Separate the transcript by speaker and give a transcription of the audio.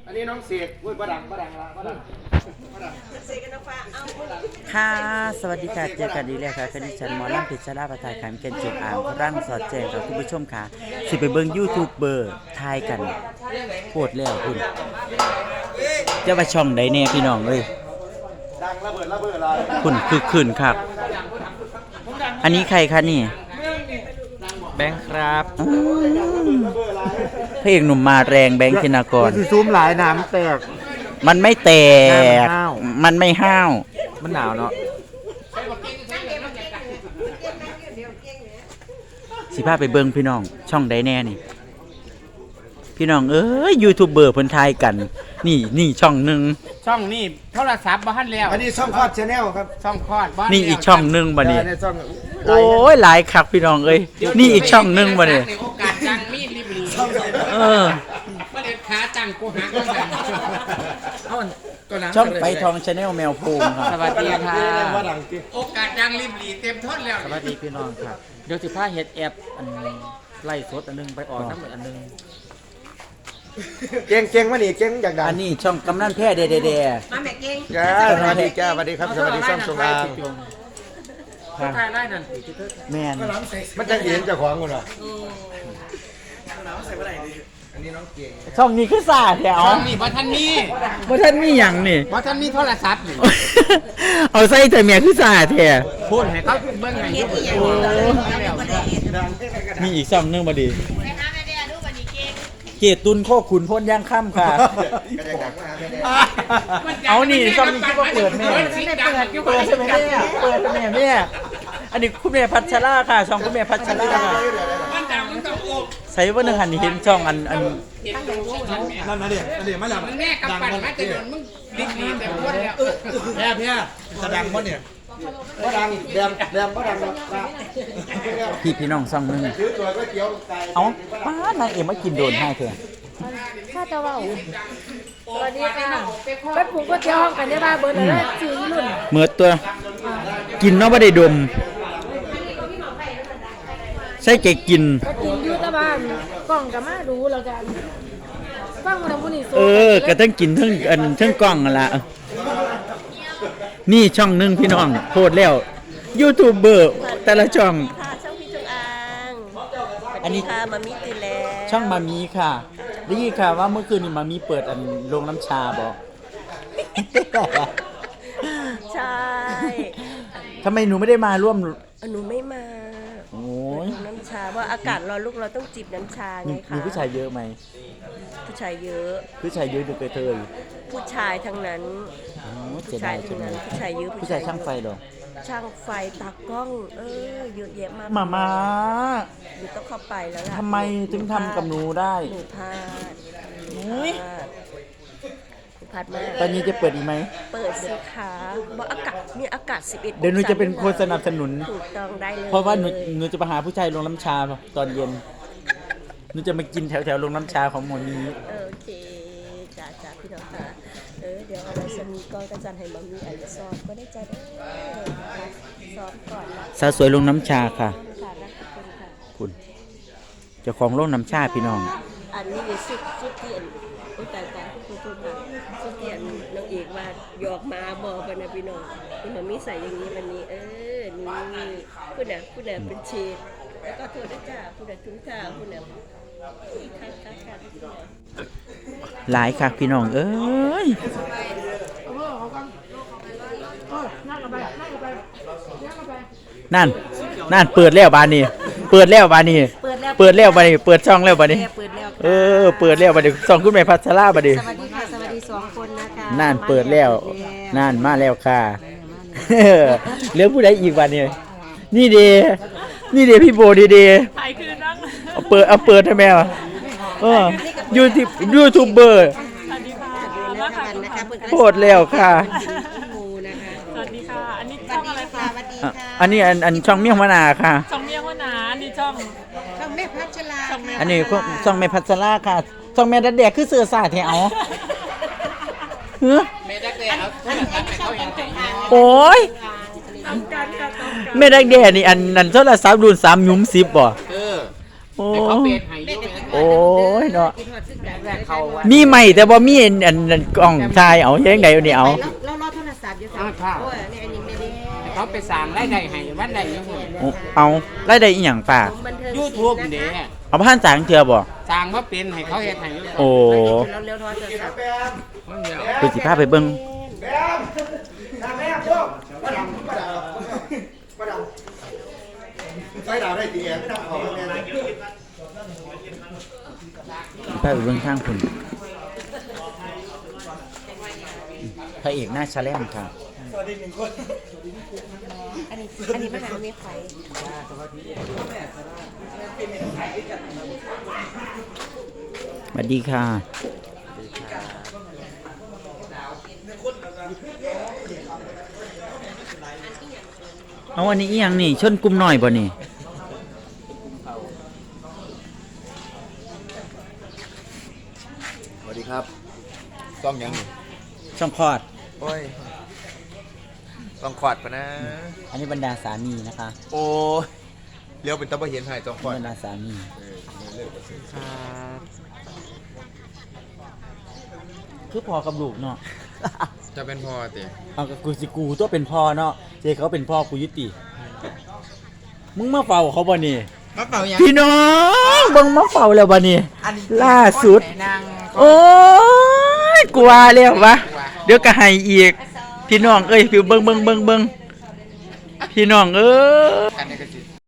Speaker 1: อันนี้น้องเสกอุ้ยบดังละบดัง
Speaker 2: เสกกันน้องฟ้าเอา
Speaker 3: ค่ะสวัสดีค่ะเจอกันอีกแล้วค่ะคดิฉันหมอลำพิชราประทายขามเกณฑ์เจ็บอ่างร่างสอดแจงกับคุณผู้ชมค่ะสิไปเบิ่งยูทูบเบอร์ทายกันโคตรแล้วคุณจะมาช่องใดแน่พี่น้องเอ้ย
Speaker 1: ดังระเบิดอะไร
Speaker 3: คุณคือคืนครับอันนี้ใครคะนี่แบงค์ครับพระเอกหนุ่มมาแรงแบงค์ธินากร
Speaker 1: ซูมหลายน้ำแตก
Speaker 3: มันไม่แตกมันไม่ห้าว
Speaker 1: มันหนาวเนาะ
Speaker 3: สิพาไปเบิ่งพี่น้องช่องใดแน่นี่พี่น้องเอ้ยยูทูบเบอร์เพิ่นทายกันนี่ช่องหนึ่ง
Speaker 4: ช่องนี่โทรศัพท์บ้านแล้ว
Speaker 1: อันนี้ช่องคลอดชาแนลครับ
Speaker 4: ช่องคลอดบ้าน
Speaker 3: นี่อีกช่องหนึ่งบ่นี่
Speaker 1: โอ้
Speaker 3: ยหลายคักพี่น้องเอ้ยนี่อีกช่องหนึ่งบ่นี่
Speaker 4: โอกาสจังมีรีบรีประเด็นขาจังกูหาก็ได้
Speaker 3: ช่องไปทองชาแนลแมวภูมิครับ
Speaker 4: สวัสดีค่ะโอกาสจังรีบรีเต็มทนแล้ว
Speaker 3: สวัสดีพี่น้องครับเดี๋ยวสิพาเฮ็ดแอปอันไล่สดอันนึงไปออกน้ำอันนึง
Speaker 1: เก่งมานี่เก่งอยากดัง
Speaker 3: อันนี้ช่องกำนันแพ้เด
Speaker 2: มาแม่เก่ง
Speaker 1: จ้าสวัสดีจ้าสวัสดีครับสวัสดีซ่อมสงอา
Speaker 4: ถ่ายได้นั่น
Speaker 3: แมน
Speaker 1: มันจะเห็นเจ้าของกันเหรออันนี้น้องเก่ง
Speaker 3: ช่องนี้คือสาแถว
Speaker 4: ช่องนี้บ่ทันมี
Speaker 3: หยังนี่
Speaker 4: บ่ทันมีโทรศัพท์นี่
Speaker 3: เอาใส่แต่เมียคือสาแถว
Speaker 4: พูดให้เขาเบิ่งให้
Speaker 3: มีอีกช่องนึงบ่ดีเกตุนโคขุนพ้นย่างค่ำค่ะเอานี่ช่องนี้คิดว่าเปิดแม่เปิดใช่ไหมเนี่ยเปิดแม่เนี่ยอันนี้คุณแม่พัชราค่ะช่องคุณแม่พัชราค่ะใส่ว่าหนึ่งหันเห็นช่องอัน
Speaker 1: นั่นนะเดี๋ยวมาแล้ว
Speaker 4: แม่กำปั้นมาจะโดนมึงรีบรีเต็มคนแล้ว
Speaker 1: พี่จะดังมั้เนี่ยก็ดังแดมก็ดัง
Speaker 3: พี่น้องช่องนึงเอาป้านายเอ็มมากินโดนให้เถอะ
Speaker 2: ข้าจะว่าสวัสดีค่ะไปปลูกก๋วยเตี๋ยวห้องกันได้บ้าเบอร์เลยจืดรุ่น
Speaker 3: เมื่อตัวกินเนาะไม่ได้ดมใช่แกกิน
Speaker 2: อยู่ตะบ้านกล่องกับมาดูแล้วกันฟังมันบุญ
Speaker 3: ก็ต้องกินทั้งกล่องละนี่ช่องนึงพี่น้องโคตรแล้วยูทูบเบอร์แต่ละช่อง
Speaker 2: ช่องพี่จงอาง
Speaker 3: อันนี้
Speaker 2: ค่ะมามีตื่นแล้ว
Speaker 3: ช่องมามีค่ะได้ยินค่ะว่าเมื่อคืนนี้มามีเปิดโรงน้ำชาบอก
Speaker 2: ใช่
Speaker 3: ทำไมหนูไม่ได้มาร่วม
Speaker 2: หนูไม่มา
Speaker 3: โอ้ย
Speaker 2: น้ำชาว่าอากาศร้อนลูกเราต้องจิบน้ำชาไงคะ
Speaker 3: มีผู้ชายเยอะไหม
Speaker 2: ผู้ชายเยอะ
Speaker 3: ดูเกย
Speaker 2: ผู้ชายทั้งนั้นผู้ชายทั้งนั้นผู้ชายเยอะ
Speaker 3: ผู้ชายช่างไฟหรอ
Speaker 2: ช่างไฟตากล้องเยอะแยะมาก
Speaker 3: มา
Speaker 2: หนูต้องเข้าไปแล้วล่ะ
Speaker 3: ทำไมถึงทำกับหนูได้
Speaker 2: หนูพลาดพลาดมาก
Speaker 3: ตอนนี้จะเปิดอีกไหม
Speaker 2: เปิดสิคะว่ามีอากาศ11
Speaker 3: เดี๋ยวหนูจะเป็นคนสนับสนุน
Speaker 2: ถูกต้องได้เลย
Speaker 3: เพราะว่าหนูจะไปหาผู้ชายลงน้ำชาตอนเย็นหนูจะมากินแถวลงน้ำชาของหมอนี้
Speaker 2: โอเคจ้าพี่น้องค่ะเดี๋ยวอะไรจะมีก้อนกระจันให้บะหมี่ซอสก็ได้จ้าซอสก่อน
Speaker 3: สาวสวยลงน้ำชาค่ะคุณเจ้าของลงน้ำชาพี่น้อง
Speaker 2: อันนี้สุดเตียนแต่คุณค่ะสุดเตียนน้องเอกว่าหยอกมาบอกกันนะพี่น้องที่บะหมี่ใส่อย่างนี้วันนี้นี่คุณน่ะเป็นเชฟแล้วก็โทษนะจ้าคุณน่ะจุ้งจ้าคุณน่ะ
Speaker 3: หลายค่ะพี่น้องเอ้ยนั่นเปิดแล้วบานนี้เปิดช่องแล้วบานนี้เปิดแล้วบานนี้เปิดแล้วบานนี้สองคุณแม่พัชราบานนี้
Speaker 2: สวัสดีค่ะสวัสดี2คนนะคะ
Speaker 3: นั่นเปิดแล้วนั่นมาแล้วค่ะเหลือผู้ใดอีกบานนี้นี่เดพี่โบดีเอาเปิดให้แม่ยูทูบเบอร์โคตรแล้วค่ะ
Speaker 5: สวัสดีค่ะอันนี้ช่องอะไรคะ
Speaker 3: อันนี้อันช่องเมี่ยงมะนาวค่ะ
Speaker 5: ช่องเมี่ยงมะนาวนี่ช่อง
Speaker 2: แม่พัชรา
Speaker 3: อันนี้ช่องแม่พัชราค่ะช่องแม่ดัดแดกคือเสือสาดแถว
Speaker 4: แม่ดักแด้เขาเห็นแต่
Speaker 3: โอ้ยแม่ดักแดกนี่อันโทรศัพท์รุ่น3 ยุ้ม 10บ่โอ้โอ้ยเนาะ
Speaker 2: กินฮอดคือกัน
Speaker 4: แรกเขาว่า
Speaker 3: มีใหม่แต่บ่มีอันกล้องชายเอาเฮ็ดจังได๋นี่เอา
Speaker 2: แล้วรอโทรศัพท์อยู่ค่ะโอ้ยนี่อันนี้ไม่ได้
Speaker 4: เขาไปสั่งรายได้ให้วันใดยังไง
Speaker 3: เอารายได้อีหยังป้า
Speaker 2: บันเทิง
Speaker 4: ยูทูบเด้
Speaker 3: เอาพันสางเทื่อบ่
Speaker 4: สั่งว่าเป็นให้เขาเฮ็ดให้
Speaker 3: โอ้
Speaker 2: เราเร็วๆโทรศัพท์
Speaker 3: เพิ่นสิพาไปเบิ่ง
Speaker 1: แบมทำแม่พวกมาดำใส่ดาวได้ตีแอนไม่ทำของแม่เลย
Speaker 3: พาไปเบิ่งทางพุ่นพระเอกหน้าชะแลมค่ะ
Speaker 2: อันนี้ปัญหาไม่ไฟ
Speaker 3: สวัสดีค่ะเอาอันนี้อีหยังนี่ชนกลุ่มน้อยบ่นี่
Speaker 1: สวัสดีครับต้องยัง
Speaker 3: ช่องคลอด
Speaker 1: โอ้ยต้องขอดปะนะ
Speaker 3: อันนี้บรรดาสามีนะคะ
Speaker 1: โอ้ยเลี้ยวเป็นตะบะเห็นไทยต้องขอด
Speaker 3: บรรดาสามีคือพอกับลูกเนาะ
Speaker 4: จะเป็นพ่อติ
Speaker 3: เอากับกูสิกูตัวเป็นพ่อเนาะเจเขาเป็นพ่อกูยุติมึงมาเฝ้าเขาบ่นี่
Speaker 4: มาเป่ายัง
Speaker 3: พี่น้องเบิ่งมาเฝ้าแล้วบ่นี่ล่าสุด
Speaker 4: นาง
Speaker 3: โอ้ยกลัวแล้ววะเดี๋ยวก็ให้อีกพี่น้องเอ้ยพี่เบิ่งพี่น้องเอ้ย
Speaker 4: กันในกระสิ